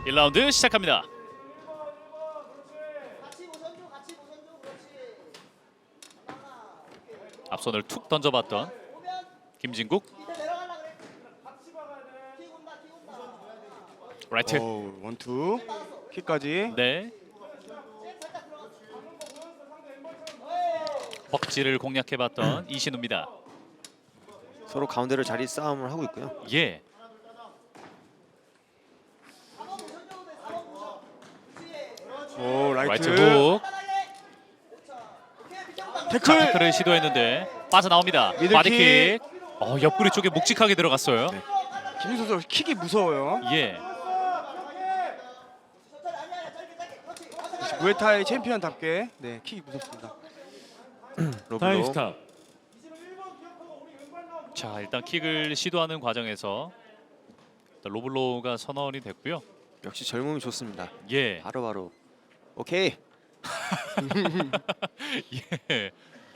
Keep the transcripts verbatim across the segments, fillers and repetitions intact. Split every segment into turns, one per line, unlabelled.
일 라운드 시작합니다. 앞손을 툭 던져봤던 김진국. 라이트.
오, 원투 킥까지.
네. 벅지를 공략해봤던 이신우입니다.
서로 가운데로 자리 싸움을 하고 있고요.
예.
오, 라이트.
라이트 훅.
태클.
자, 태클을 시도했는데 빠져나옵니다.
미들킥.
바디킥. 어, 옆구리 쪽에 묵직하게 들어갔어요.
네. 김민수 선수 킥이 무서워요.
예.
무에타이 챔피언답게 네, 킥이 무섭습니다.
타임
로블로.
스탑.
자, 일단 킥을 시도하는 과정에서 일단 로블로가 선언이 됐고요.
역시 젊음이 좋습니다.
예.
바로바로. 오케이.
예.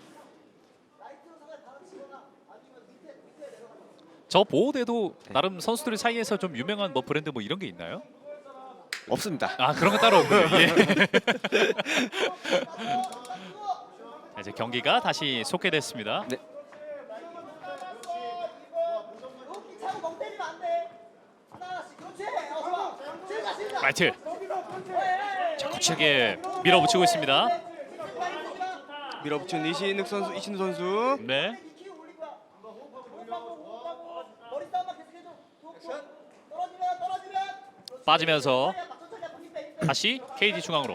저 보호대도
네.
나름 선수들 사이에서 좀 유명한 뭐 브랜드 뭐 이런 게 있나요?
없습니다.
아, 그런 거 따로 없군요. 예. 자, 이제 경기가 다시 속개됐습니다.
네.
라이트. 자, 거칠게 밀어붙이고 있습니다.
밀어붙인 이신욱 선수, 이신우 선수.
네. 빠지면서 다시 케이티 중앙으로.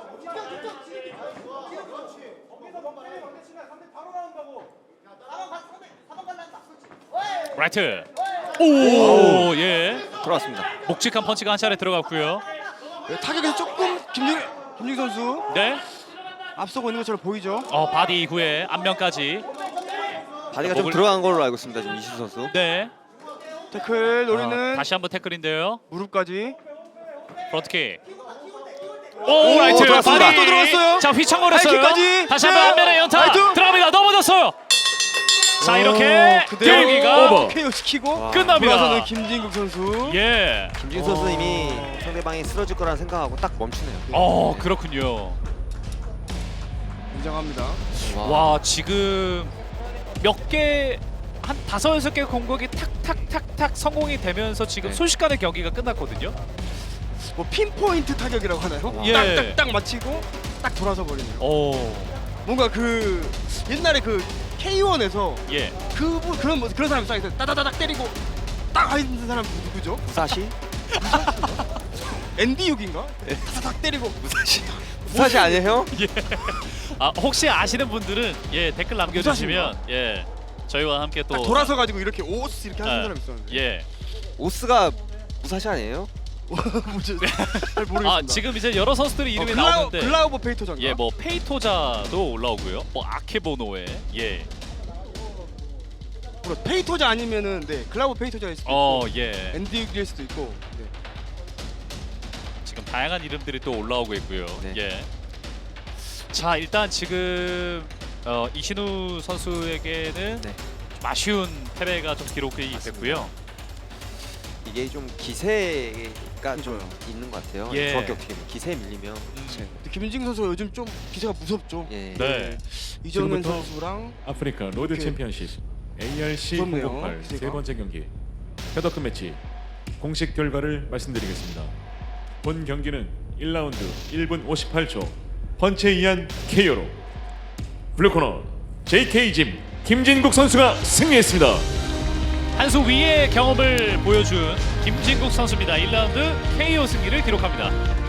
라이트. 오, 예.
돌아왔습니다.
묵직한 펀치가 한 차례 들어갔고요.
네, 타격에서 조금 김진 김진 선수
네.
앞서고 있는 것처럼 보이죠.
어, 바디 이후에 앞면까지.
바디가 좀
목을-
들어간 걸로 알고 있습니다. 지금 이신 선수.
네.
태클 노리는
어, 다시 한번 태클인데요.
무릎까지.
프론트킥. 오, 라이트
들어갔습니다.
바디.
또 들어갔어요.
자, 휘청거렸어요.
라이트까지.
다시 한번
네.
앞면에 연타
라이트.
들어갑니다. 넘어졌어요. 자, 이렇게
그대로
경기가
오버.
케이오 시키고
와.
끝납니다.
돌아서는 김진국 선수.
예.
김진 선수
어.
이미 상대방이 쓰러질 거라는 생각하고 딱 멈추네요.
어, 그렇군요.
인정합니다.
와, 지금 몇 개 한 다섯 여섯 개 공격이 탁탁탁탁 성공이 되면서 지금
네.
순식간에 경기가 끝났거든요.
뭐 핀포인트 타격이라고 하나요?
예.
딱딱딱 맞히고 딱 돌아서 버리네요.
오,
뭔가 그 옛날에 그 케이원에서
예.
그 그런 뭐 그런 사람 있어요. 따다다닥 때리고 딱 하는 사람 누구죠?
무사시?
앤디 육인가? 따다닥 때리고
무사시. 무사시 아니에요?
예. 아, 혹시 아시는 분들은 예 댓글 남겨주시면 예 저희와 함께 또
딱 돌아서 가지고 이렇게 오스 이렇게 하는
아,
사람 있었는데.
예.
오스가 무사시 아니에요?
뭐지? 잘 모르겠습니다.
아, 지금 이제 여러 선수들의 이름이
어, 글라우,
나오는데
글라우버 페이토전가?
예, 뭐 페이토자도 올라오고요. 뭐 아케보노에 예.
뭐 페이토자 아니면은 네 글라우버 페이토자일 수도
어,
있고
예.
앤디 육일 수도 있고. 네.
지금 다양한 이름들이 또 올라오고 있고요.
네.
예. 자, 일단 지금 어, 이신우 선수에게는
네.
좀 아쉬운 패배가 좀 기록이 됐고요.
이게 좀 기세가 좀
그거요.
있는 것 같아요.
예.
정확히 어떻게 보면 기세에 밀리면
음,
근데 김민진 선수가 요즘 좀 기세가 무섭죠.
예.
네.
이정현
지금부터
선수랑
아프리카 로드
오케이.
챔피언십 에이알씨
무섭네요,
공백팔
기세가.
세 번째 경기 헤더급 매치 공식 결과를 말씀드리겠습니다. 본 경기는 일 라운드 일 분 오십팔 초 펀치에 의한 케이오로 블루코너 제이케이짐 김진국 선수가 승리했습니다.
한 수 위의 경험을 보여준 김진국 선수입니다. 일 라운드 케이오 승리를 기록합니다.